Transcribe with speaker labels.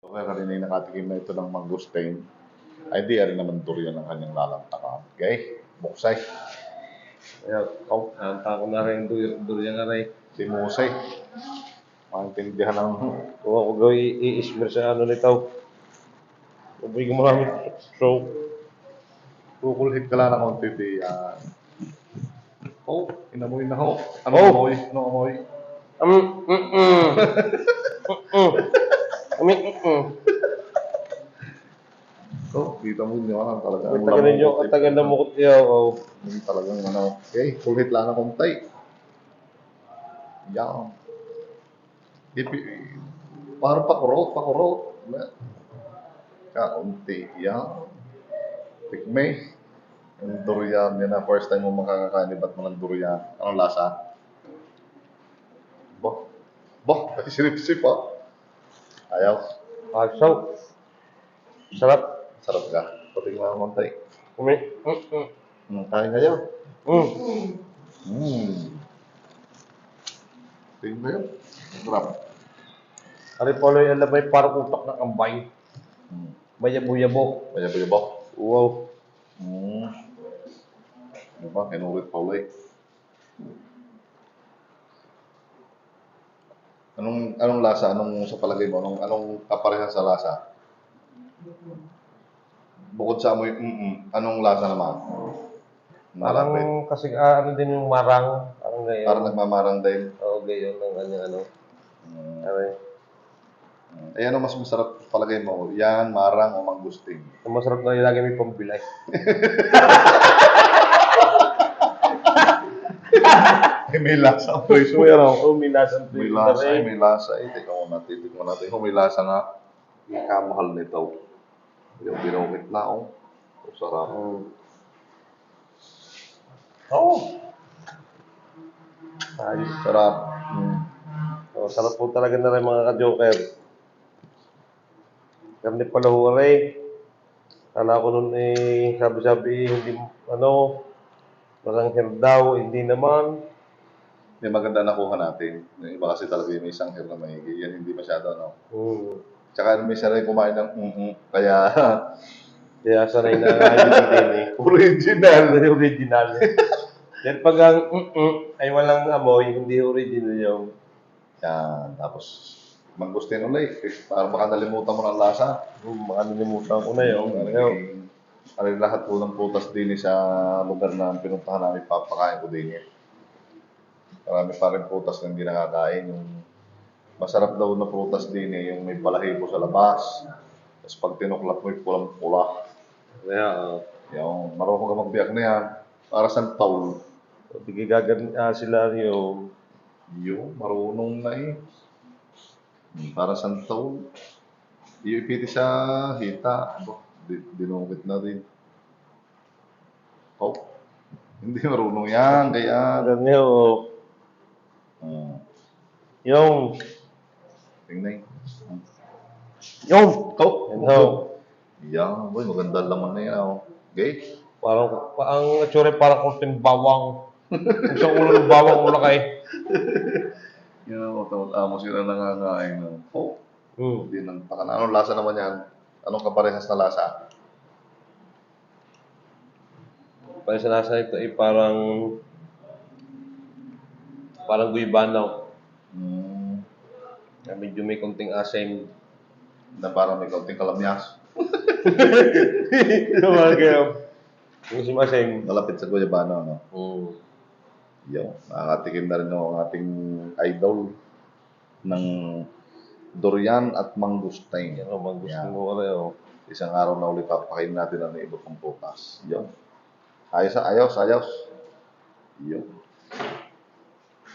Speaker 1: Kaya kanina yung nakatikim na ito ng mangosteen, ay di rin naman durian ang kanyang lalantakan. Okay? Buksay.
Speaker 2: Kaya, hanta ko na rin durian nga rin.
Speaker 1: Si Musay. Maintindihan ng...
Speaker 2: Kung ako gawin i-ismer sa ano nito. Ubay ko maraming so.
Speaker 1: Kukulhit ka lang ng konti di yan. Oh, inamoy na ho. Ano
Speaker 2: Oh!
Speaker 1: amoy? Ano amoy? Oh, kita mo yun naman talaga.
Speaker 2: Ang tagal ninyo, ang tagal na mukot niya ako.
Speaker 1: Yung talagang ano. Okay, kulhit lang ng konti. Yan. Parang pakurot. Kaunti. Yan. Tikmay. Yung durian, yan na first time mo makakakanibat mo ng durian. Anong lasa? Bah, sirip-sip ha. Ayaw.
Speaker 2: So, sarap.
Speaker 1: Sarap ka. Pating lang ng konti. Kain kayo. Tingin kayo. Sarap.
Speaker 2: Ari pala yung alam may parang utak ng ambay. Mayabo-yabo.
Speaker 1: Bayabok.
Speaker 2: Wow.
Speaker 1: Diba? Kinurit pa ulit. Anong lasa? Anong sa palagay mo? Anong kapareha sa lasa? Bukod sa amoy, anong lasa naman?
Speaker 2: Parang
Speaker 1: Malapit.
Speaker 2: kasi ano din yung marang. Parang gayon.
Speaker 1: Parang nagmamarang din.
Speaker 2: Oo, gayon ng kanyang ano. Aray.
Speaker 1: Eh, ano mas masarap palagay mo? Yan, marang o mangustin?
Speaker 2: Ang masarap na ilagay may pambilay.
Speaker 1: May lasa ang presyo.
Speaker 2: Oo, may lasang
Speaker 1: May lasa. Tingnan mo natin. Kung may lasa nga, ikamahal nito. Yung binukit na, oh. Ang sarap.
Speaker 2: Ayos.
Speaker 1: Sarap.
Speaker 2: Sarap po talaga na rin mga ka-joker. Karne pala ho rin. Kala ko nun sabi-sabi, hindi, marang daw, hindi naman.
Speaker 1: Yung maganda nakuha natin. Yung iba kasi talaga yung may isang hair na mahigi. Yan hindi masyado, no? Tsaka may sarili kumain ng kaya
Speaker 2: Kaya sanay na din eh. Original. Then pag ang ay walang amoy, hindi original yung.
Speaker 1: yan. Tapos mangustin ulit. Para baka nalimutan mo ng lasa.
Speaker 2: Baka nalimutan ko na yung.
Speaker 1: Lahat po ng putas din sa lugar na pinuntahan namin, papakain ko din yan. Marami pa rin putas na hindi nakakain. Yung masarap daw na putas din yung may balahibo sa labas. Tapos pag tinuklap mo, pulang-pula.
Speaker 2: Kaya,
Speaker 1: Yung marunong ka magbiyak na yan. Para sa taul.
Speaker 2: tigigagan sila yung.
Speaker 1: Yung marunong na eh. Para sa taul. Iipiti sa hita. Dinungkit na rin. Oh. Hindi marunong yan. Kaya.
Speaker 2: Ganyan yung.
Speaker 1: Tingnan.
Speaker 2: Yung.
Speaker 1: Oh. Yan. Boy, maganda laman na yan. Oh. Okay?
Speaker 2: Parang, ang tsure parang kunting bawang. Isang ulo ng bawang mula kay.
Speaker 1: Yan, amo sila nangangain. Oh. Hindi nang anong lasa naman yan? Anong kaparehas na lasa?
Speaker 2: Parang sa lasa ito ay parang guybano. Medyo may konting asim.
Speaker 1: Na parang may kaunting kalamyas.
Speaker 2: Yung si Maseng.
Speaker 1: Malapit sa guyabano, no? Yung, nakakatikim na rin ang ating idol ng durian at mangustain.
Speaker 2: Yan o, mangustain mo ka rin o.
Speaker 1: Isang araw na ulit papakain natin ang iba pang putas. Yung. Ayos. Yung.